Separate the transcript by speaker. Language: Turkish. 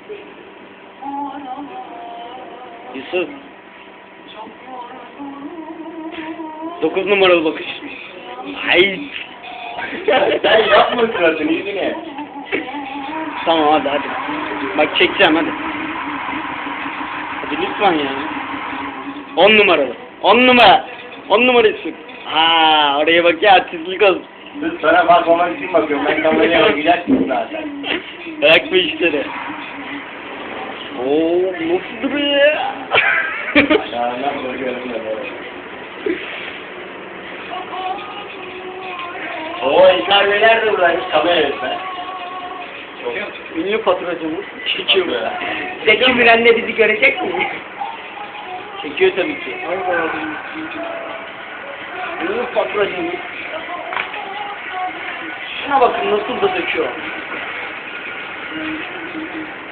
Speaker 1: Yusuf. 9 numaralı bakış. Ay.
Speaker 2: Sen yapma suratını yüzüne.
Speaker 1: Tamam hadi. Bak çekeceğim hadi. Hadi lütfen ya. 10 numaralı. 10 numara. 10 numara Yusuf. Aa, oraya bak ya, artistlik olsun.
Speaker 2: Kız sana bakmamak için bakıyorum. Ben kameraya gidersin zaten.
Speaker 1: Bırak bu işleri. Oo, nasıl duruyor ya?
Speaker 2: Ya nasıl bakıyorum da böyle. Oo İlker Beyler de buradaymış. Kamera yönetmen.
Speaker 1: Ünlü faturacımız çekiyor.
Speaker 3: Zeki Müren de bizi görecek mi?
Speaker 1: Çekiyor tabii ki. Ünlü faturacımız. Şuna bakın nasıl da döküyor.